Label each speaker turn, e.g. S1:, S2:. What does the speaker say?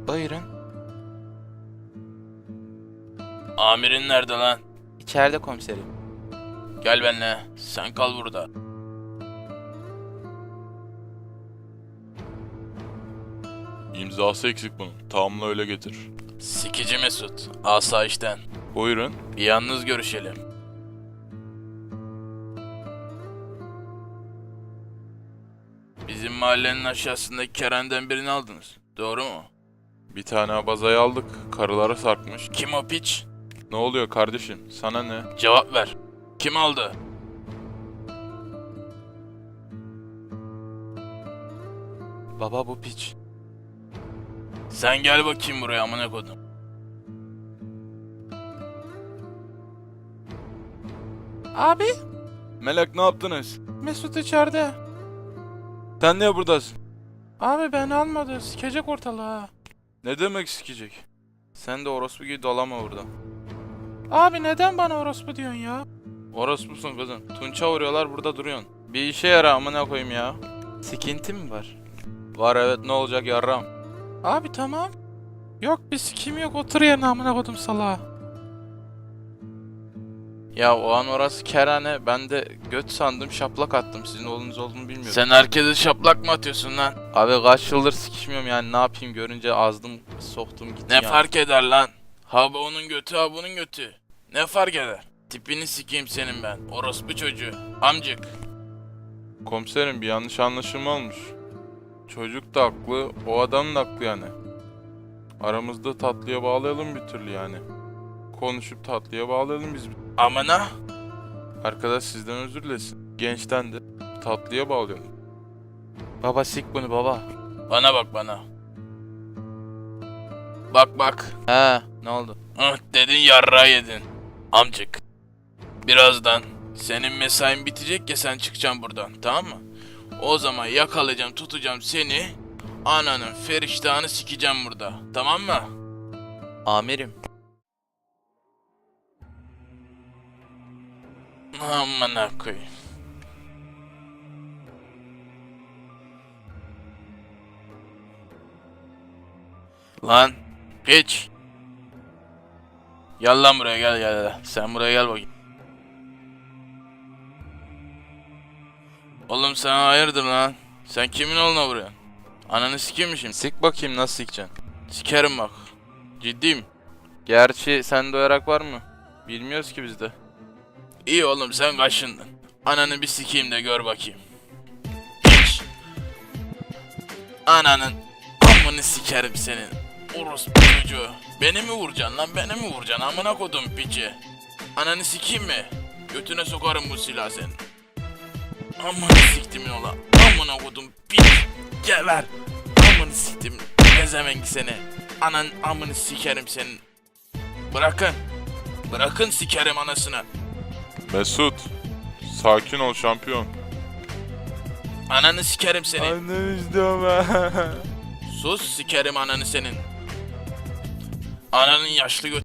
S1: Buyurun.
S2: Amirin nerede lan?
S1: İçeride komiserim.
S2: Gel benimle. Sen kal burada.
S3: İmzası eksik bunun. Tamamla öyle getir.
S2: Sikici Mesut. Asayişten.
S3: Buyurun.
S2: Bir yalnız görüşelim. Bizim mahallenin aşağısındaki kerenden birini aldınız. Doğru mu?
S3: Bir tane abazayı aldık. Karılara sarkmış.
S2: Kim o piç?
S3: Ne oluyor kardeşim? Sana ne?
S2: Cevap ver. Kim aldı?
S1: Baba bu piç.
S2: Sen gel bakayım buraya amına kodum.
S1: Abi,
S3: Melek ne yaptınız?
S1: Mesut içeride.
S3: Sen niye buradasın?
S1: Abi beni almadı, sikecek ortalığı.
S3: Ne demek sikecek? Sen de orospu gibi dolama burada.
S1: Abi neden bana orospu diyorsun ya?
S3: Orospusun kızım. Tunça vuruyorlar burada duruyorsun. Bir işe yara amına koyayım ya.
S1: Sikinti mi var?
S3: Var evet ne olacak yarram.
S1: Abi tamam. Yok bir sikim yok, otur yerine amına kodum salağa.
S3: Ya o an orası kerane, ben de göt sandım, şaplak attım. Sizin oğlunuz olduğunu bilmiyordum.
S2: Sen herkese şaplak mı atıyorsun lan?
S3: Abi kaç yıldır sikişmiyorum yani, ne yapayım, görünce azdım soktum gitti
S2: Ne
S3: yani.
S2: fark eder lan? Ha bu onun götü, ha bunun götü. Ne fark eder? Tipini sikeyim senin ben. Orospu çocuğu. Amcık.
S3: Komiserim bir yanlış anlaşılma olmuş. Çocuk da haklı, o adam da haklı yani. Aramızda tatlıya bağlayalım bir türlü yani. Konuşup tatlıya bağlayalım biz.
S2: Amına.
S3: Arkadaş sizden özür dilesin. Gençten de tatlıya bağlayalım.
S1: Baba sik bunu baba.
S2: Bana bak bana. Bak bak.
S1: He, ne oldu?
S2: Dedin yarrağı yedin. Amcık. Birazdan senin mesain bitecek ya, sen çıkacaksın buradan, tamam mı? O zaman yakalayacağım, tutacağım seni. Ananın feriştahını sikeceğim burada. Tamam mı?
S1: Amirim.
S2: Amına koyayım. Lan piç. Gel lan buraya, gel. Sen buraya gel bakayım. Oğlum sen hayırdır lan? Sen kimin oğluna vuruyorsun? Ananı sikeyim mi şimdi?
S3: Sik bakayım nasıl sikeceksin.
S2: Sikerim bak. Ciddiyim.
S3: Gerçi sende o yarak var mı? Bilmiyoruz ki biz de.
S2: İyi oğlum sen kaşındın. Ananı bir sikeyim de gör bakayım. Piç. Ananın amını sikerim senin. Orospu çocuğu. Beni mi vuracaksın lan, beni mi vuracaksın amına kodum piçi. Ananı sikeyim mi? Götüne sokarım bu silahı senin. Amını siktimin ola. Amına kodum piç. Geber. Amını siktim. Gezemenk seni. Anan amını sikerim senin. Bırakın. Bırakın sikerim anasını.
S3: Mesut, sakin ol şampiyon.
S2: Ananı sikerim seni.
S3: Anne istiyorum.
S2: Sus, sikerim ananı senin. Ananın yaşlı